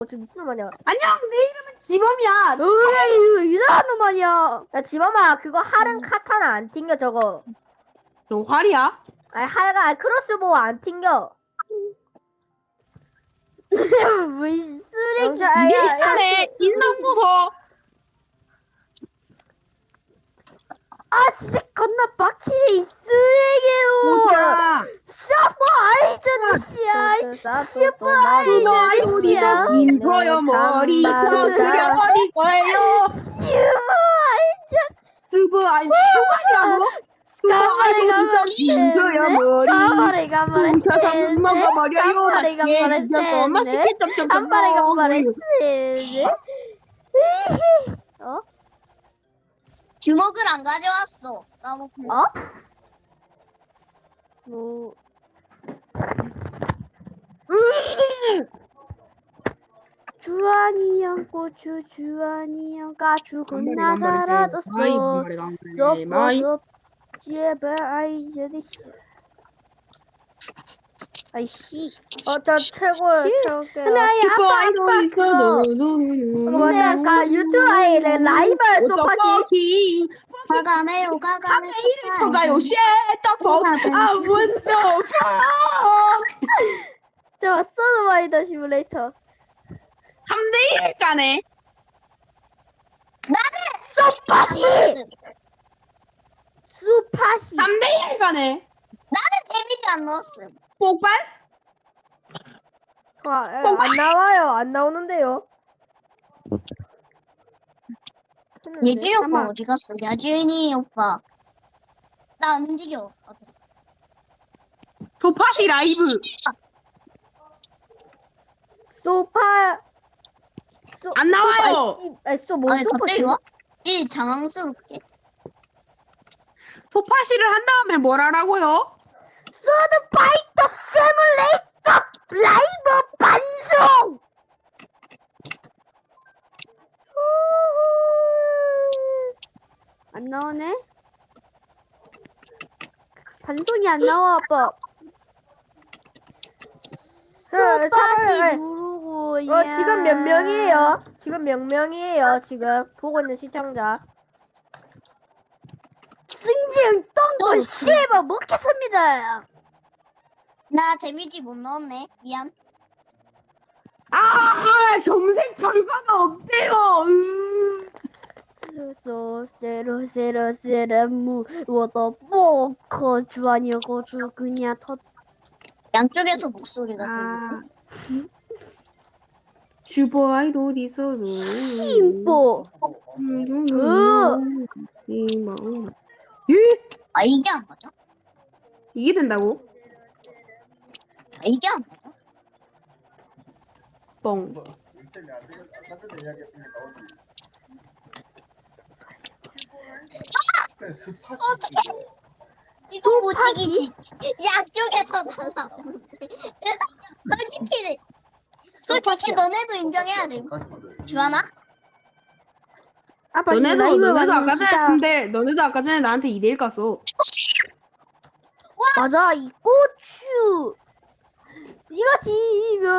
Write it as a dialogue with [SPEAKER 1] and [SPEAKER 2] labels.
[SPEAKER 1] 저 미친놈 아니야.
[SPEAKER 2] 안녕, 내 이름은 지범이야.
[SPEAKER 1] 으이, 이상한 놈 아니야. 야, 지범아, 그거 활은 카타나 안 튕겨, 저거.
[SPEAKER 2] 너 활이야?
[SPEAKER 1] 아니, 활가, 크로스보우 안 튕겨. 뭐, 이 쓰레기.
[SPEAKER 2] 이게 있다네. 인상도서.
[SPEAKER 1] 아, 진짜 겁나 빡치네, 이 쓰레기로.
[SPEAKER 2] 보자.
[SPEAKER 1] 슈퍼 아이전씨야. 슈퍼 아이전씨야.
[SPEAKER 2] 긴 소여 머리 터뜨려버릴 거예요.
[SPEAKER 1] 슈퍼 아이전.
[SPEAKER 2] 스브 아니 슈가이라고? 스브 아이고 긴 소여 머리
[SPEAKER 1] 가버리.
[SPEAKER 2] 부셔서 물 먹어버려요. 맛있게 죽여서 맛있게
[SPEAKER 1] 한 발에
[SPEAKER 2] 쩝쩝쩝.
[SPEAKER 1] 어?
[SPEAKER 3] 주먹을 안 가져왔어. 까먹고.
[SPEAKER 1] 어? 뭐 주환이 형 고추 주환이 형 가추 겁나 사라졌어. 쏙 제발 아이저리 아이씨 저 최고야 최고야. 근데
[SPEAKER 2] 슈퍼 아이돌 있어.
[SPEAKER 1] 뭐야 유튜브에 라이브 소파시
[SPEAKER 3] 가가메요
[SPEAKER 2] 카페 이름 쳐가요. 쉣떡 아 원더
[SPEAKER 1] 저 서드바이더 시뮬레이터
[SPEAKER 2] 3대1 가네.
[SPEAKER 1] 소파시
[SPEAKER 2] 3대1 가네.
[SPEAKER 3] 데미지 안 넣었음.
[SPEAKER 2] 폭발?
[SPEAKER 1] 안 나와요. 안 나오는데요.
[SPEAKER 3] 예주이 오빠 어디 갔어? 야주인이 오빠. 나 안 움직여.
[SPEAKER 2] 도파시 라이브.
[SPEAKER 1] 소파
[SPEAKER 2] 안 나와요.
[SPEAKER 1] 뭐
[SPEAKER 3] 아니
[SPEAKER 1] 소파
[SPEAKER 3] 갑자기 와? 이 장황스럽게.
[SPEAKER 2] 도파시를 한 다음에 뭘 하라고요?
[SPEAKER 1] 서드파이터 시뮬레이터 라이브 방송. 안 나오네. 방송이 안 나와 아빠. 다시 누르고. 지금 몇 명이에요? 지금 몇 명이에요? 지금 보고 있는 시청자. 승진 똥도 씹어 먹겠습니다.
[SPEAKER 3] 나 데미지 못 넣었네. 미안.
[SPEAKER 2] 점색 결과가 없대요.
[SPEAKER 1] 세로무 워더 포커 주아니고 주 그냥 터.
[SPEAKER 3] 양쪽에서 목소리가 들리네.
[SPEAKER 2] 슈퍼 아이돌 있어.
[SPEAKER 1] 심보.
[SPEAKER 3] 아 이게 안 맞아?
[SPEAKER 2] 이게 된다고?
[SPEAKER 3] 아 이게 안 맞아?
[SPEAKER 2] 뻥.
[SPEAKER 3] 어떡해. 이거 무지기지. 양쪽에서 날라오는데. 솔직히 너네도 인정해야 돼. 주하나?
[SPEAKER 1] 아빠
[SPEAKER 2] 너네도 아까 전에 나한테 2대1 갔어.
[SPEAKER 1] 맞아 이 고추 이것이